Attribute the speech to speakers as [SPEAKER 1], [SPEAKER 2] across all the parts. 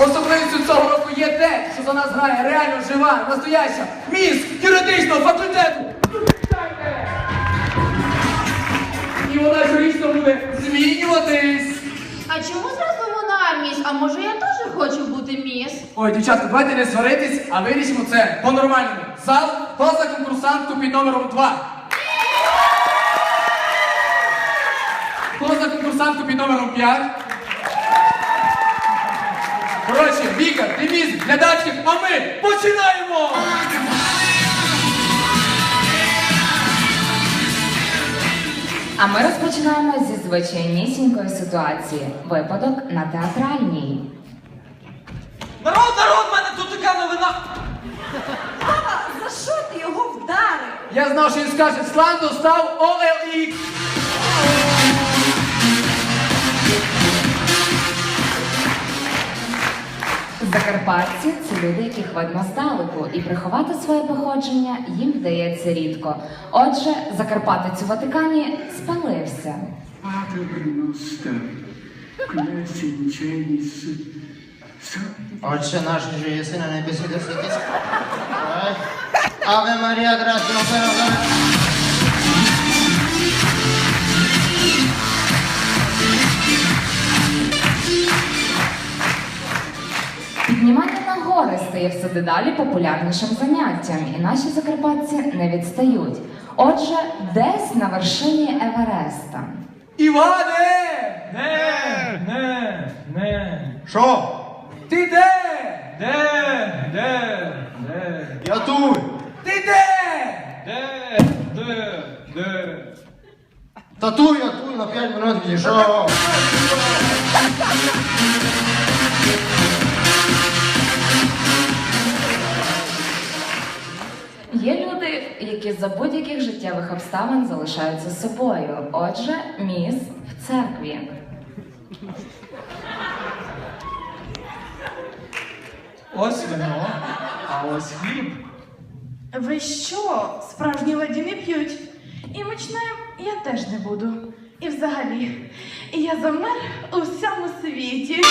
[SPEAKER 1] Особливістю цього року є те, що за нас грає реально жива, настояща міс юридичного факультету. І вона щорічно буде змінюватись.
[SPEAKER 2] А чому зразу вона міс? А може я теж хочу бути міс?
[SPEAKER 1] Ой, дівчатка, давайте не сваритись, а вирішимо це по-нормальному. Зал, хто за конкурсантку під номером 2? Хто за конкурсантку під номером 5? Коротше, Віка, ти міс, глядачів, а ми починаємо!
[SPEAKER 3] А ми розпочинаємо зі звичайнісінької ситуації. Випадок на театральній.
[SPEAKER 4] Народ, в мене тут така новина.
[SPEAKER 2] Папа, за що ти його вдарив?
[SPEAKER 1] Я знав, що він скаже, Слан достав OLX.
[SPEAKER 3] Закарпатці – це люди, яких видно здалеку, і приховати своє походження їм вдається рідко. Отже, закарпатець у Ватикані спалився.
[SPEAKER 5] Отче наш, що єси на небесі, де святись. Аве Марія, грація,
[SPEAKER 3] Піднімання на гори стає все дедалі популярнішим заняттям, і наші закарпатці не відстають. Отже, десь на вершині Евереста.
[SPEAKER 1] Іване!
[SPEAKER 4] Не.
[SPEAKER 5] Що?
[SPEAKER 1] Ти де?
[SPEAKER 4] Де?
[SPEAKER 5] Я тут.
[SPEAKER 1] Ти де?
[SPEAKER 4] Де?
[SPEAKER 5] Та тут, я тут, на 5 минут відійшов.
[SPEAKER 3] Є люди, які за будь-яких життєвих обставин залишаються собою. Отже, міс в церкві.
[SPEAKER 4] Ось вино, а ось хліб.
[SPEAKER 6] Ви що, справжні леді не п'ють? І мучним я теж не буду. І взагалі, я замер у всьому світі.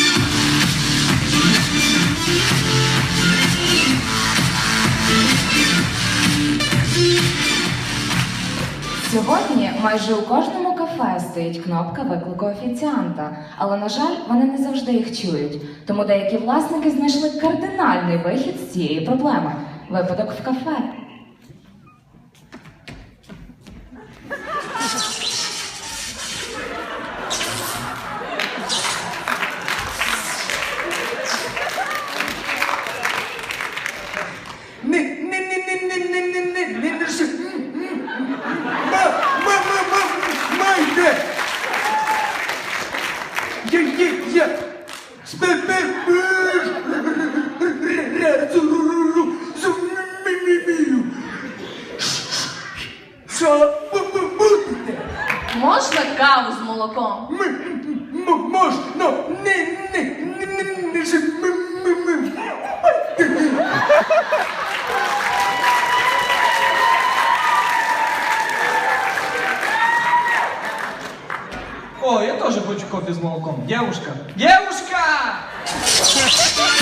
[SPEAKER 3] Сьогодні майже у кожному кафе стоїть кнопка виклику офіціанта, але, на жаль, вони не завжди їх чують. Тому деякі власники знайшли кардинальний вихід з цієї проблеми – випадок в кафе.
[SPEAKER 1] Майте! Я що будете?
[SPEAKER 2] Можна каву з молоком?
[SPEAKER 1] Можна,
[SPEAKER 4] О, я теж хочу кофе з молоком. Девушка!